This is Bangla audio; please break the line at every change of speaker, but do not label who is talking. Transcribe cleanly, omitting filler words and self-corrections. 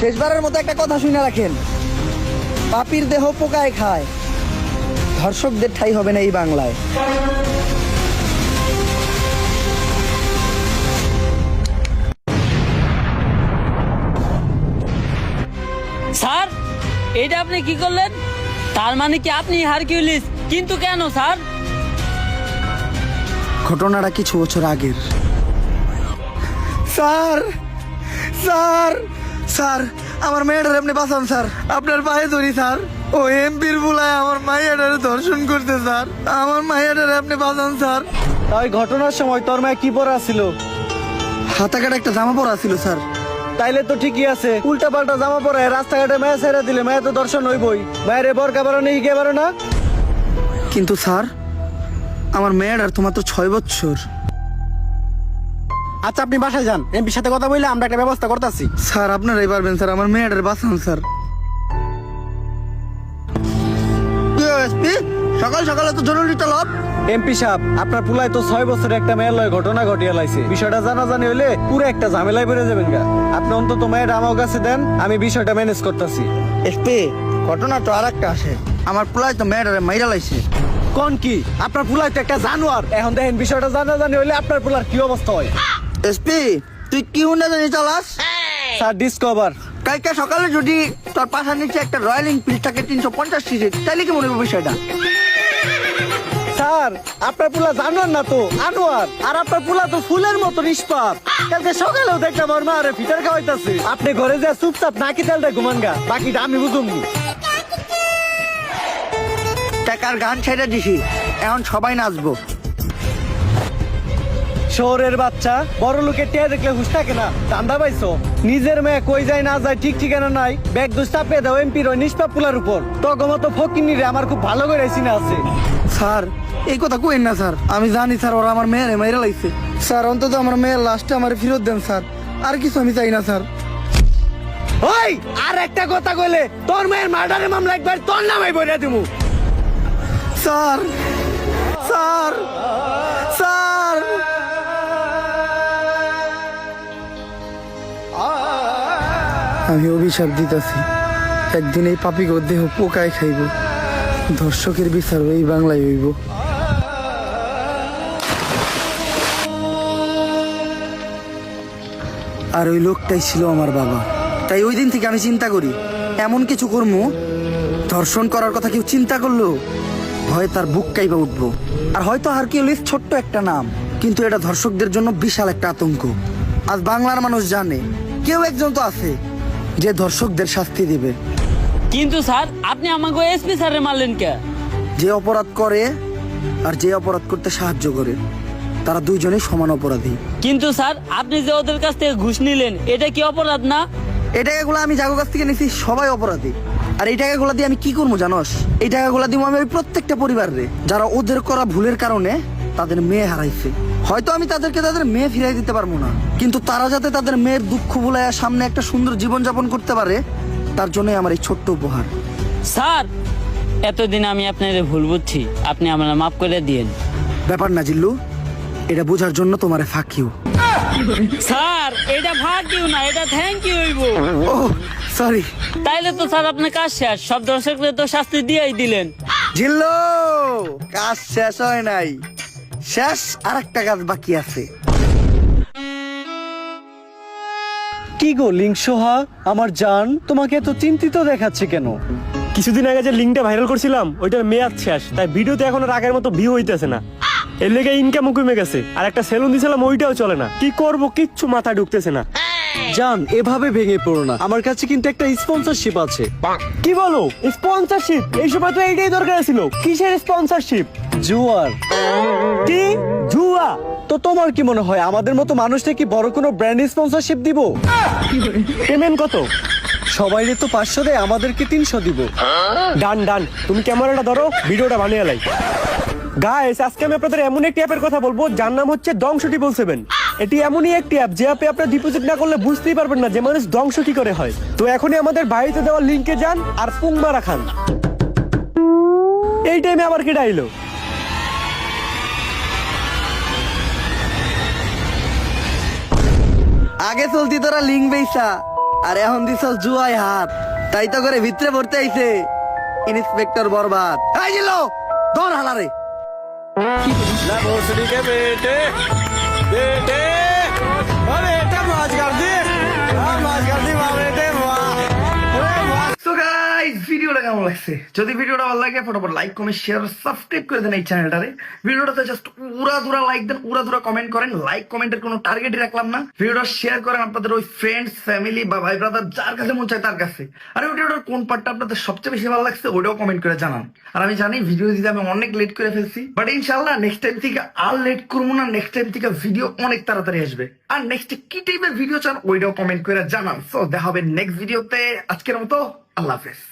শেষবারের মতো একটা কথা শুনে রাখেন, পাপীর দেহ পোকায় খায়, ধর্ষকদের ঠাঁই হবে না এই বাংলায়।
স্যার, এটা আপনি কি করলেন? তার মানে কি আপনি হারকিউলিস? কিন্তু কেন স্যার?
ঘটনাটা কিছু বছর আগের। স্যার স্যার স্যার আমার মেয়েটার আপনি বাঁচান স্যার, আপনার পায়ে ধরি স্যার। ও এমপির বুলায় আমার মাইয়াটারে ধর্ষণ করতে স্যার, আমার মাইয়াটারে আপনি বাঁচান স্যার।
তাই ঘটনার সময় তোর মায়ে কি পরা ছিল?
হাতা কাটা একটা জামা পরা ছিল স্যার।
তাইলে তো ঠিকই আছে, উল্টা পাল্টা জামা পরে রাস্তাঘাটে মায়া ছেড়ে দিলে মায়া তো দর্শন হইবই। মায়ের বরকা বারো নেই কে বারো না?
কিন্তু স্যার আমার মেয়েটার তো মাত্র 6 বছর।
আচ্ছা আপনি বাসায় যান, এমপির সাথে কথা বললে আমরা একটা ব্যবস্থা করতেছি।
স্যার আপনারাই পারবেন স্যার, আমার মেয়েটার বাঁচান স্যার। সকাল সকালে তো জরুরি তলব।
এমপি সাহেব, আপনার পুলায় তো 6 বছরের একটা মেয়ের লয় ঘটনা ঘটিয়ে লাইছে। বিষয়টা জানাজানি হলে পুরো একটা ঝামেলায় বেড়ে যাবেন গা। আপনি অন্তত মেয়ের আমার কাছে দেন, আমি বিষয়টা ম্যানেজ করতেছি।
এসপি ঘটনা তো আর একটা আসে, আমার পোলায় তো মেয়েটারে মাইরা লাইছে।
কোন কি? আপনার পুলায় তো একটা জানোয়ার। এখন দেখেন বিষয়টা জানাজানি হলে আপনার পুলার কি অবস্থা হয়।
এসপি তুই কি হুন্ডা জানি চালাস?
Sir discover.
কালকে সকালে যদি তোর পাশার নিচে একটা রয়্যাল এনফিল্ড থাকে 350 সিসি, তাহলে কি মনে হবে বিষয়টা?
স্যার আপনার পুলা জানোয়ার না তো আনোয়ার, আর আপনার পুলা তো ফুলের মতো নিষ্পাপ। কালকে সকালেও দেখলাম আমার মা আরে ফিটার খাওয়াইতাছে। আপনি ঘরে যা চুপচাপ নাকি তেলটা ঘুমান গা, বাকিটা আমি বুঝুমনি।
টাকার গান ছেড়ে দিছি, এখন সবাই নাচবো।
শহরের বাচ্চা বড় লোকের টিয়া দেখলে হুশ থাকে না, দান্দা পাইছো? নিজের মেয়ে কই যায় না যায় ঠিক ঠিকানা নাই, ব্যাগ দোষ চাপিয়ে দাও এমপির ওই নিষ্পাপ পুলার উপর। তগমতো ফকিনি রে আমার খুব ভালো করে চিনা আছে।
স্যার এই কথা কইেন না স্যার, আমি জানি স্যার ওরা আমার মেয়েরে মাইরা লাইছে। স্যার অন্তত আমার মেয়ের লাশটা আমার ফেরত দেন স্যার, আর কিছু আমি চাই না স্যার।
ওই আর একটা কথা কইলে তোর মেয়ের মার্ডারের মামলা একবার তোর নামে বইরা দিমু।
স্যার স্যার স্যার আমি অভিশাপ দিতেছি, একদিন এই পাপি দেহ পোকায় খাইব, ধর্ষকের বিচার এই বাংলায় হইব। আর ওই লোকটাই ছিল আমার বাবা। তাই ওই দিন থেকে আমি চিন্তা করি, এমন কিছু কর্ম ধর্ষণ করার কথা কেউ চিন্তা করলো হয় তার বুক কাইবা উঠবো। আর হয়তো হারকিউলিস ছোট্ট একটা নাম, কিন্তু এটা ধর্ষকদের জন্য বিশাল একটা আতঙ্ক। আজ বাংলার মানুষ জানে কেউ একজন তো আছে যে ধর্ষকদের শাস্তি দিবে।
কিন্তু স্যার আপনি আমাকে এসপি স্যারে মারলেন কে?
যে অপরাধ করে আর যে অপরাধ করতে সাহায্য করে, তারা দুইজনেই সমান অপরাধী।
কিন্তু স্যার আপনি যে ওদের কাছ থেকে ঘুষ নিলেন, এটা কি অপরাধ না?
এই টাকাগুলো আমি যাগো কাছ থেকে নিছি, সবাই অপরাধী। আর এই টাকাগুলো দিয়ে আমি কি করবো জানোস? এই টাকাগুলো দিব আমি ওই প্রত্যেকটা পরিবারে যারা ওদের করা ভুলের কারণে তাদের মেয়ে হারাইছে। হয়তো আমি তাদেরকে তাদের মেয়ে ফিরাই দিতে পারবো না, কিন্তু তারা যাতে তাদের মেয়ের দুঃখ ভুলাইয়া সামনে একটা সুন্দর জীবন যাপন করতে পারে, তার জন্যই আমার এই ছোট্ট উপহার।
স্যার এতদিন আমি আপনাদের ভুল বুঝছি, আপনি আমার মাফ করে দিয়েন।
ব্যাপার না জিল্লু, এটা বোঝার জন্য তোমারে ফাঁক ইউ।
স্যার এটা ভাগ ইউ না, এটা থ্যাংক ইউ হইব।
ও সরি।
তাইলে তো স্যার আপনার কাজ শেষ, সব দর্শকদের তো শাস্তি দিয়েই দিলেন।
জিল্লু কাজ শেষ হয় নাই, শেষ আর একটা কাজ বাকি আছে।
কি গো লিংসোহা আমার জান, তোমাকে এত চিন্তিত দেখাচ্ছে কেন?
কিছুদিন আগে যে লিঙ্কটা ভাইরাল করছিলাম ওইটার মেয়াদ শেষ, তাই ভিডিওতে এখন আর আগের মতো ভিউ হইতেছে না। এর লেগে ইনকামও কমে গেছে, আর একটা সেলুন দিছিলাম ওইটাও চলে না। কি করব কিচ্ছু মাথায় ঢুকতেছে না।
জান এভাবে ভেঙে পড়ো না, আমার কাছে কিন্তু একটা স্পন্সরশিপ আছে।
কি বলো স্পন্সরশিপ? এই সময় তো এইটাই দরকার ছিল। কিসের স্পন্সরশিপ?
জুয়ার।
কি জুয়া?
তো তোমার কি মনে হয় আমাদের মতো মানুষটা কি বড় কোনো ব্র্যান্ড স্পন্সরশিপ দিব?
পেমেন্ট কত?
সবাইরে তো 500 দেয়, আমাদেরকে 300 দিব।
ডান ডান, তুমি ক্যামেরাটা ধরো, ভিডিওটা বানিয়ে লাই। গাইস আজকে আমি আপনাদের এমন একটি অ্যাপের কথা বলবো যার নাম হচ্ছে দংশ 777। এটি এমনই একটি অ্যাপ যে অ্যাপে আপনারা ডিপোজিট না করলে বুঝতেই পারবেন না যে মানুষ ধ্বংস কি করে হয়। তো এখনই আমাদের বাড়িতে দেওয়া লিংকে যান আর পুং মারা খান। এই টাইমে আবার কি ডাইলো?
আগে চলতি তোরা লিঙ্ক বেইসা, আর এখন দিছ জুয়াই হাত, তাই তো করে ভিতরে পড়তে আইছে ইন্সপেক্টর বরবাদ। এই জিলো ধর হালারে।
ना भोसड़ी के बेटे बेटे अरे बेटा मौज कर दी मौज कर दी वाह बेटे वाह अरे वाह।
সো গাইস ভিডিওটা কেমন লাগছে? যদি ভিডিওটা ভালো লাগে ফটাফট লাইক কমেন্ট শেয়ার সাবস্ক্রাইব করে দেন এই চ্যানেলটারে। ভিডিওটাতে জাস্ট উড়াধুরা লাইক দেন, উড়াধুরা কমেন্ট করেন। লাইক কমেন্টের কোনো টার্গেটই রাখলাম না। ভিডিওটা শেয়ার করেন আপনাদের ওই ফ্রেন্ডস ফ্যামিলি বা ভাই ব্রাদার যার কাছে মন চায় তার কাছে। আর ভিডিওটার কোন পার্টটা আপনাদের সবচেয়ে বেশি ভালো লাগছে ওটাও কমেন্ট করে জানান। আর আমি জানি ভিডিও দিতে আমি অনেক লেট করে ফেলছি, বাট ইনশাআল্লাহ নেক্সট টাইম থেকে আর লেট করবো না। নেক্সট টাইম থেকে ভিডিও অনেক তাড়াতাড়ি আসবে। আর নেক্সট কি টাইপের ভিডিও চান ওইটাও কমেন্ট করে জানান। সো দেখা হবে নেক্সট ভিডিওতে। আজকের মতো আল্লাহ হাফেজ।